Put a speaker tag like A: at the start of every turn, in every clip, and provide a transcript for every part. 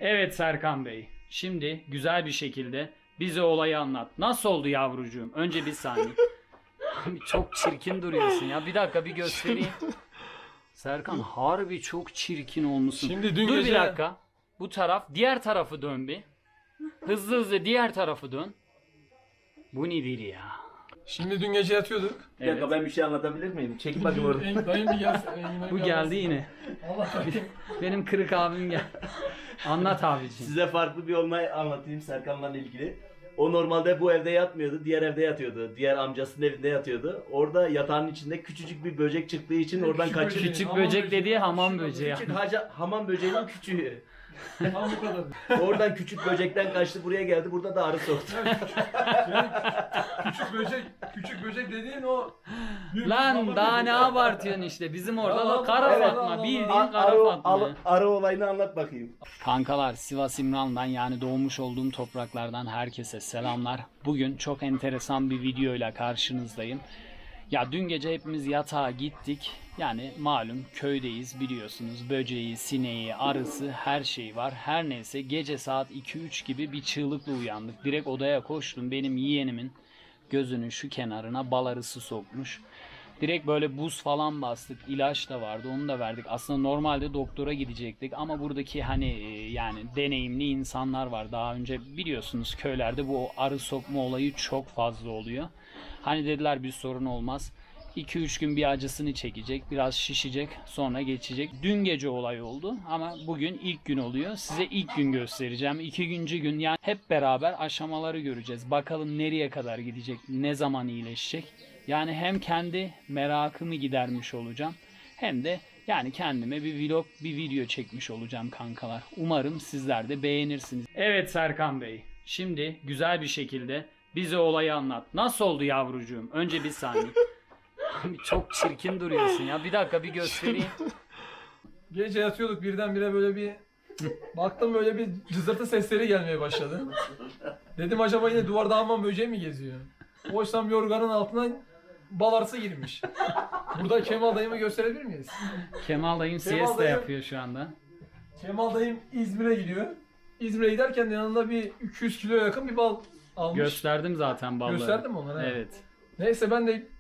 A: Evet Serkan Bey, şimdi güzel bir şekilde bize olayı anlat. Nasıl oldu yavrucuğum? Önce bir saniye. Çok çirkin duruyorsun ya. Bir dakika bir göstereyim. Serkan harbi çok çirkin olmuşsun.
B: Şimdi dün
A: Dur
B: gece...
A: bir dakika. Bu taraf, diğer tarafı dön bir. Hızlı hızlı diğer tarafı dön. Bu nedir ya?
B: Şimdi dün gece yatıyorduk.
C: Bir dakika ben bir şey anlatabilir miyim? Çek bakayım orada.
B: Dayım bir gelsin.
A: Bu geldi yine.
B: Allah
A: Benim kırık abim gel. Anlat abiciğim.
C: Size farklı bir olay anlatayım Serkan'la ilgili. O normalde bu evde yatmıyordu, diğer evde yatıyordu. Diğer amcasının evinde yatıyordu. Orada yatağın içinde küçücük bir böcek çıktığı için oradan kaçırdı.
A: Küçük böcek dediği hamam böceği.
C: Küçük hamam böceğinin küçüğü.
B: Tam bu kadar.
C: Oradan küçük böcekten kaçtı buraya geldi. Burada da arı soktu.
B: Küçük böcek dediğin o...
A: Lan daha ne abartıyorsun işte. Bizim orada da kara
B: Evet.
A: Fatma. Bildiğin kara Fatma.
C: Arı olayını anlat bakayım.
A: Kankalar, Sivas İmran'dan yani doğmuş olduğum topraklardan herkese selamlar. Bugün çok enteresan bir videoyla karşınızdayım. Ya dün gece hepimiz yatağa gittik. Yani malum köydeyiz biliyorsunuz. Böceği, sineği, arısı her şey var. Her neyse gece saat 2-3 gibi bir çığlıkla uyandık. Direkt odaya koştum. Benim yeğenimin gözünün şu kenarına bal arısı sokmuş. Direkt böyle buz falan bastık. İlaç da vardı. Onu da verdik. Aslında normalde doktora gidecektik ama buradaki yani deneyimli insanlar var. Daha önce biliyorsunuz köylerde bu arı sokma olayı çok fazla oluyor. Hani dediler bir sorun olmaz. 2-3 gün bir acısını çekecek, biraz şişecek, sonra geçecek. Dün gece olay oldu ama bugün ilk gün oluyor. Size ilk gün göstereceğim. 2. gün yani hep beraber aşamaları göreceğiz. Bakalım nereye kadar gidecek, ne zaman iyileşecek. Yani hem kendi merakımı gidermiş olacağım hem de yani kendime bir vlog, bir video çekmiş olacağım kankalar. Umarım sizler de beğenirsiniz. Evet Serkan Bey, şimdi güzel bir şekilde bize olayı anlat. Nasıl oldu yavrucuğum? Önce bir saniye. Çok çirkin duruyorsun ya. Bir dakika bir göstereyim.
B: Gece yatıyorduk birdenbire böyle bir... Baktım böyle bir cızırtı sesleri gelmeye başladı. Dedim acaba yine duvarda hamam böceği mi geziyor? Oysam yorganın altından bal arısı girmiş. Burada Kemal dayımı gösterebilir miyiz?
A: Kemal dayım siesta
B: dayım-
A: yapıyor şu anda.
B: Kemal dayım İzmir'e gidiyor. İzmir'e giderken yanında bir 200 kiloya yakın bir bal almış.
A: Gösterdim zaten balları.
B: Gösterdin mi onları?
A: Evet.
B: Neyse ben de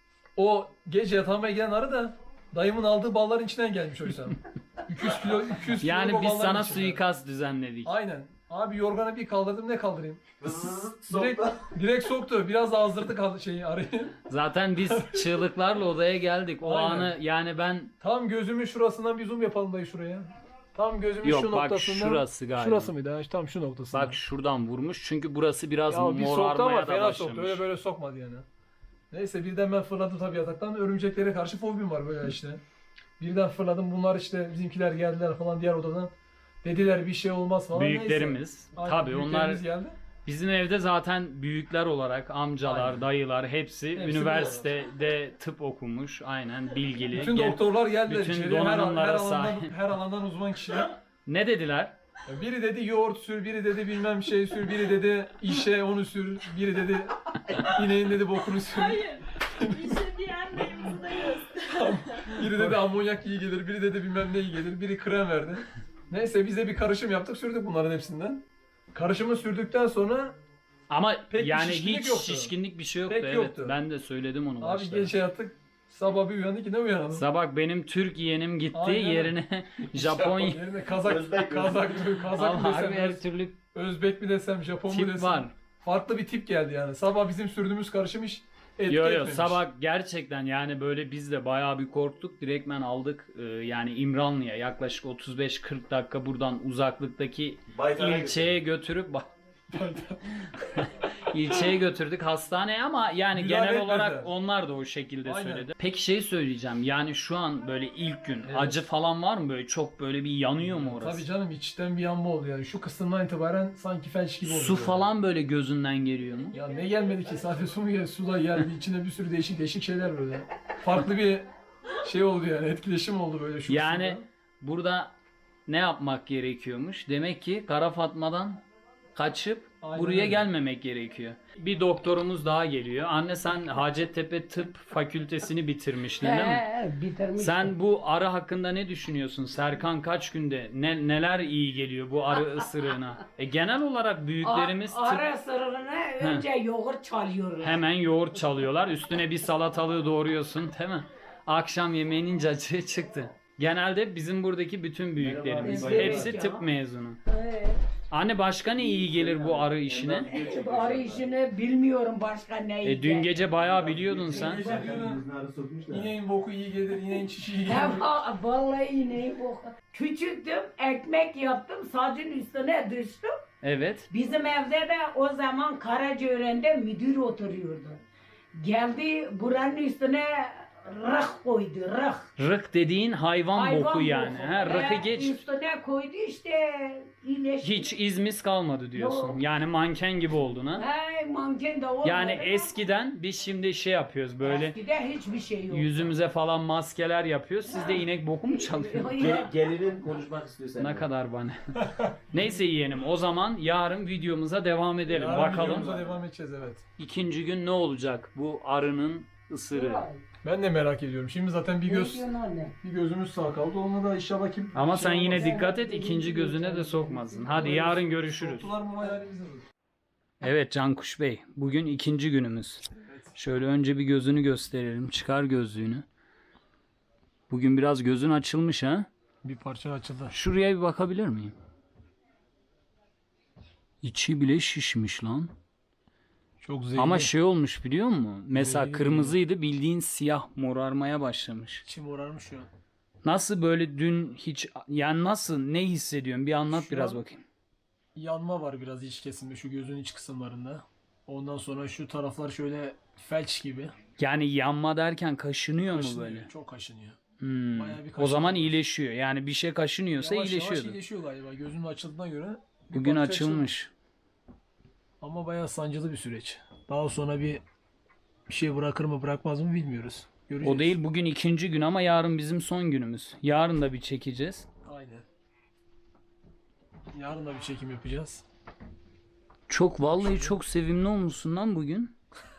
B: o gece yatağıma gelen arı da dayımın aldığı balların içinden gelmiş oysa. 200 kilo
A: Yani
B: o
A: biz
B: balların
A: sana
B: içinden.
A: suikast düzenledik.
B: Aynen. Abi yorganı bir kaldırdım, ne kaldırayım? Direkt,
C: Soktu.
B: direkt soktu. Biraz da azdırdı kaldı arıyı.
A: Zaten biz çığlıklarla odaya geldik. O
B: Aynen.
A: anı yani ben...
B: Tam gözümün şurasından bir zoom yapalım dayı şuraya. Tam gözümün
A: Yok,
B: şu
A: bak
B: noktasından.
A: şurası galiba.
B: Şurası mıydı? Ha, tam şu noktasından.
A: Bak şuradan vurmuş. Çünkü burası biraz
B: ya bir soktu ama
A: morarmaya da
B: fena
A: başlamış.
B: soktu. Öyle böyle sokmadı yani. Neyse birden ben fırladım tabii yataktan. Örümceklere karşı fobim var böyle işte. Birden fırladım. Bunlar işte bizimkiler geldiler falan diğer odadan. Dediler bir şey olmaz falan.
A: Büyüklerimiz.
B: Neyse. Aynen,
A: Tabii onlar
B: büyüklerimiz geldi.
A: bizim evde zaten büyükler olarak amcalar,
B: Aynen.
A: dayılar hepsi
B: Hepsi
A: üniversitede tıp okumuş. Aynen bilgili.
B: Bütün doktorlar geldiler
A: bütün
B: içeriye.
A: donanımlara
B: Her
A: sahip.
B: alandan, her alandan uzman kişiler.
A: Ne dediler?
B: Biri dedi yoğurt sür, biri dedi bilmem şey sür, biri dedi işe onu sür, biri dedi ineğin dedi bokunu sür.
D: Hayır. İşe diyen dayımızı da göster.
B: Biri dedi amonyak iyi gelir, biri dedi bilmem ne iyi gelir, biri krem verdi. Neyse biz de bir karışım yaptık, sürdük bunların hepsinden. Karışımı sürdükten sonra
A: Ama
B: Pek bir
A: yani
B: şişkinlik
A: hiç
B: yoktu.
A: şişkinlik bir şey yoktu.
B: Pek
A: Evet.
B: yoktu.
A: Ben de söyledim onu
B: abi
A: başta.
B: gece yattık, sabah bir uyandık yine uyanalım.
A: Sabah benim Türk yeğenim gitti
B: Aynen.
A: yerine Japon
B: Yerine Kazak
C: Özbek mi?
B: mı
A: Ama harbi
B: desem,
A: her türlü
B: Özbek mi desem, Japon mu
A: tip
B: desem.
A: var.
B: Farklı bir tip geldi yani. Sabah bizim sürdüğümüz karışım hiç etki
A: Yo
B: etmemiş.
A: sabah gerçekten yani böyle biz de bayağı bir korktuk. Direktmen aldık yani İmranlı'ya yaklaşık 35-40 dakika buradan uzaklıktaki
C: Baytar'a
A: ilçeye götürüp ilçeye götürdük hastaneye ama yani
B: Müdahale
A: genel olarak
B: etmediler.
A: onlar da o şekilde
B: Aynen.
A: söyledi. Peki şey söyleyeceğim yani şu an böyle ilk gün
B: Evet.
A: acı falan var mı böyle çok böyle bir yanıyor mu orası?
B: Tabii canım içten bir yanma oldu yani. Şu kısımdan itibaren sanki felç gibi oldu.
A: Su
B: yani.
A: falan böyle gözünden geliyor mu?
B: Ya ne gelmedi ki? Sadece su mu geldi? Su da geldi. İçinde bir sürü değişik şeyler böyle. Farklı bir şey oldu yani. Etkileşim oldu böyle şu
A: Yani
B: kısımda.
A: burada ne yapmak gerekiyormuş? Demek ki Kara Fatma'dan kaçıp
B: Aynen
A: buraya
B: öyle.
A: gelmemek gerekiyor. Bir doktorumuz daha geliyor. Anne sen Hacettepe Tıp Fakültesini bitirmiştin değil mi?
E: Bitirmiş.
A: Sen bu arı hakkında ne düşünüyorsun? Serkan kaç günde neler iyi geliyor bu arı ısırığına? Genel olarak büyüklerimiz
E: Ara sırrına önce yoğurt çalıyoruz.
A: hemen yoğurt çalıyorlar. Üstüne bir salatalığı doğruyorsun değil mi? Akşam yemeğinin cacığı çıktı. Genelde bizim buradaki bütün büyüklerimiz.
E: Merhaba.
A: Hepsi
E: Evet
A: tıp
E: ya.
A: mezunu.
E: Evet.
A: Anne başka ne iyi gelir bu arı işine?
E: Arı işini bilmiyorum başka ne.
A: Dün gece bayağı biliyordun sen.
B: Gece diyorum, ineğin boku iyi gelir, ineğin çişi iyi gelir.
E: Vallahi ineği bu. Küçüktüm, ekmek yaptım, sacın üstüne düştüm.
A: Evet.
E: Bizim evde de o zaman Karacaören'de müdür oturuyordu. Geldi buranın üstüne rıh koydu, rıh.
A: Rık dediğin hayvan boku yani.
E: boku.
A: Ha, rıkı geç.
E: Üstüne koydu işte iyileşti.
A: Hiç izmiz kalmadı diyorsun.
E: Yok.
A: Yani manken gibi oldun ha.
E: Hey, manken de olmadı.
A: Yani eskiden biz şimdi şey yapıyoruz böyle
E: Eskide hiçbir şey yok.
A: yüzümüze falan maskeler yapıyoruz. Siz de inek boku mu çalıyorsunuz?
C: Gelinin konuşmak istiyor
A: Ne
C: seninle.
A: kadar bana. Neyse yeğenim o zaman yarın videomuza devam edelim.
B: Yarın
A: Bakalım
B: videomuza devam edeceğiz, evet.
A: ikinci gün ne olacak bu arının ısırığı.
B: Ben de merak ediyorum. Şimdi zaten bir gözümüz sağ kaldı. Onunla da inşallah kim...
A: Ama sen
B: şey
A: yine
B: olmaz.
A: dikkat et ikinci gözüne de sokmasın. Hadi yarın görüşürüz.
B: Soktular mı hayalimizi vurur.
A: Evet Cankuş Bey, bugün ikinci günümüz. Şöyle önce bir gözünü gösterelim. Çıkar gözlüğünü. Bugün biraz gözün açılmış ha.
B: Bir parça açıldı.
A: Şuraya bir bakabilir miyim? İçi bile şişmiş lan.
B: Çok zevkli.
A: Ama şey olmuş biliyor musun? Mesela
B: Zehirli
A: kırmızıydı bildiğin siyah morarmaya başlamış.
B: İçim morarmış şu an.
A: Nasıl böyle dün hiç yani nasıl ne hissediyorsun? Bir anlat
B: Şu
A: biraz
B: an-
A: bakayım.
B: Yanma var biraz iç kesimde şu gözün iç kısımlarında. Ondan sonra şu taraflar şöyle felç gibi.
A: Yani yanma derken kaşınıyor mu
B: Kaşınıyor,
A: böyle?
B: çok kaşınıyor.
A: Hmm.
B: Bayağı bir
A: O
B: kaşınma
A: zaman
B: var.
A: iyileşiyor. Yani bir şey kaşınıyorsa
B: Yavaş yavaş
A: iyileşiyordu.
B: iyileşiyor galiba. Gözünün açıldığına göre. bir
A: Bugün
B: parça
A: açılmış.
B: açıldı. Ama bayağı sancılı bir süreç. Daha sonra bir şey bırakır mı bırakmaz mı bilmiyoruz. Göreceğiz.
A: O değil bugün ikinci gün ama yarın bizim son günümüz. Yarın da bir çekeceğiz.
B: Aynen. Yarın da bir çekim yapacağız.
A: Çok vallahi çok sevimli olmuşsun lan bugün.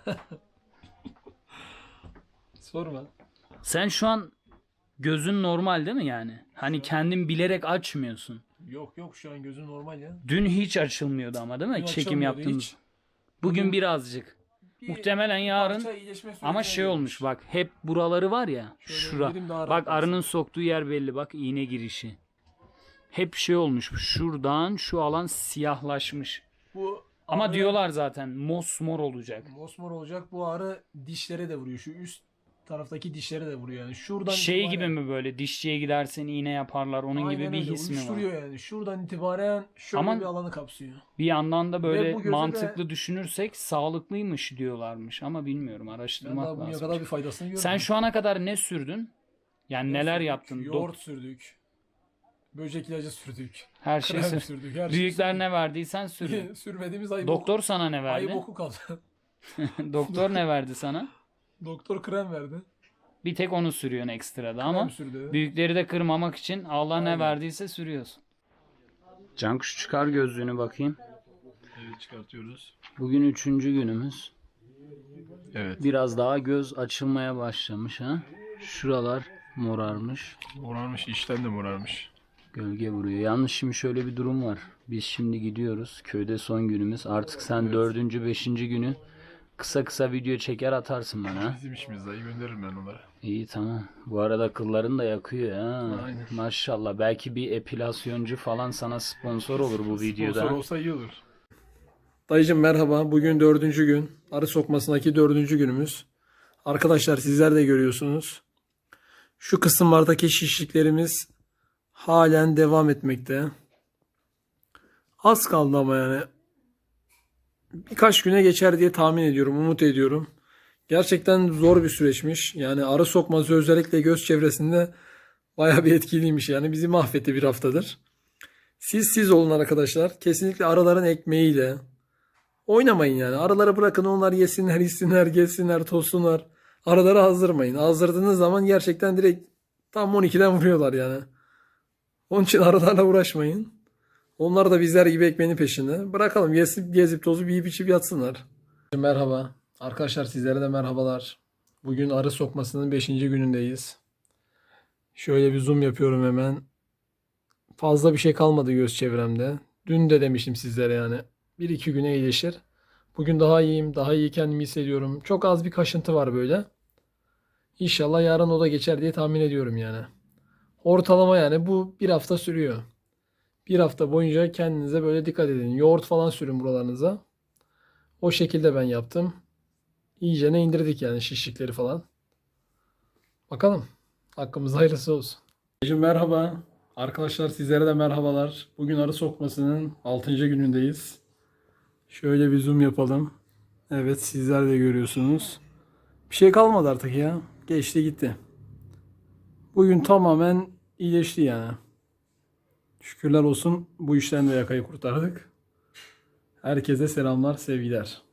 B: Sorma.
A: Sen şu an gözün normal değil mi yani? Hani kendin bilerek açmıyorsun.
B: Yok yok şu an gözün normal ya.
A: Dün hiç açılmıyordu ama değil mi?
B: Dün
A: Çekim
B: açılmıyordu
A: yaptığımız.
B: hiç.
A: Bugün birazcık.
B: Bir
A: Muhtemelen yarın
B: parça iyileşme sürecine
A: ama şey
B: girmiş.
A: olmuş bak hep buraları var ya
B: Şöyle
A: şura.
B: elim daha rahat
A: Bak
B: kalsın.
A: arının soktuğu yer belli bak iğne girişi. Hep şey olmuş şuradan şu alan siyahlaşmış.
B: Bu
A: Ama
B: ağrı
A: diyorlar zaten mosmor olacak.
B: mosmor olacak. Bu ağrı dişlere de vuruyor. Şu üst taraftaki dişlere de vuruyor yani. Şuradan
A: Şey
B: itibaren-
A: gibi mi böyle dişçiye gidersen iğne yaparlar onun
B: Aynen
A: gibi bir
B: öyle,
A: his mi var?
B: uyuşturuyor yani. Şuradan itibaren şöyle
A: Ama
B: bir alanı kapsıyor.
A: Bir yandan da
B: Ve
A: böyle
B: bu göze
A: mantıklı düşünürsek sağlıklıymış diyorlarmış ama bilmiyorum
B: Ben
A: araştırmak
B: daha bugüne
A: lazım.
B: kadar bir faydasını görmedim.
A: Sen şu ana kadar ne sürdün? Yani neler
B: sürdük,
A: yaptın?
B: Yoğurt sürdük. Böcek ilacı sürdük.
A: Her şey
B: Krem
A: sür.
B: sürdük. Her
A: Büyükler
B: şey
A: ne verdiysen sürdün.
B: sürdük. Sürmediğimiz ayı
A: Doktor sana ne
B: boku, ayı
A: verdi?
B: boku kaldı.
A: Doktor ne verdi sana?
B: Doktor krem verdi.
A: Bir tek onu sürüyorsun ekstrada ama
B: Krem sürdü.
A: büyükleri de kırmamak için Allah ne
B: Aynen.
A: verdiyse sürüyorsun. Cankuş çıkar gözlüğünü bakayım.
B: Evet çıkartıyoruz.
A: Bugün 3. günümüz.
B: Evet.
A: Biraz daha göz açılmaya başlamış ha. Şuralar morarmış.
B: Morarmış, işten de morarmış.
A: Gölge vuruyor. Yalnız şimdi şöyle bir durum var. Biz şimdi gidiyoruz. Köyde son günümüz. Artık sen 4. 5. günü kısa kısa video çeker atarsın bana.
B: Bizim işimiz dayı gönderirim ben onlara.
A: İyi tamam. Bu arada kılların da yakıyor ha.
B: Aynen.
A: Maşallah. Belki bir epilasyoncu falan sana sponsor olur bu videoda.
B: Sponsor olsa iyi olur. Dayıcım merhaba. Bugün 4. gün. Arı sokmasındaki 4. günümüz. Arkadaşlar sizler de görüyorsunuz. Şu kısımlardaki şişliklerimiz halen devam etmekte. Az kaldı ama yani. Birkaç güne geçer diye tahmin ediyorum, umut ediyorum. Gerçekten zor bir süreçmiş. Yani arı sokması özellikle göz çevresinde bayağı bir etkiliymiş. Yani bizi mahvetti bir haftadır. Siz olun arkadaşlar. Kesinlikle arıların ekmeğiyle oynamayın yani. Arıları bırakın onlar yesinler, içsinler, gezsinler, tozsunlar. Arıları azdırmayın. Azdırdığınız zaman gerçekten direkt tam 12'den vuruyorlar yani. Onun için arılarla uğraşmayın. Onlar da bizler gibi ekmeğinin peşinde. Bırakalım gezip tozup yiyip içip yatsınlar. Merhaba. Arkadaşlar sizlere de merhabalar. Bugün arı sokmasının 5. günündeyiz. Şöyle bir zoom yapıyorum hemen. Fazla bir şey kalmadı göz çevremde. Dün de demiştim sizlere yani. 1-2 güne iyileşir. Bugün daha iyiyim. Daha iyi kendimi hissediyorum. Çok az bir kaşıntı var böyle. İnşallah yarın o da geçer diye tahmin ediyorum yani. Ortalama yani bu bir hafta sürüyor. Bir hafta boyunca kendinize böyle dikkat edin. Yoğurt falan sürün buralarınıza. O şekilde ben yaptım. İyicene indirdik yani şişlikleri falan. Bakalım. Hakkımızda hayırlısı olsun. Merhaba. Arkadaşlar sizlere de merhabalar. Bugün arı sokmasının 6. günündeyiz. Şöyle bir zoom yapalım. Evet sizler de görüyorsunuz. Bir şey kalmadı artık ya. Geçti gitti. Bugün tamamen iyileşti yani. Şükürler olsun bu işten de yakayı kurtardık. Herkese selamlar, sevgiler.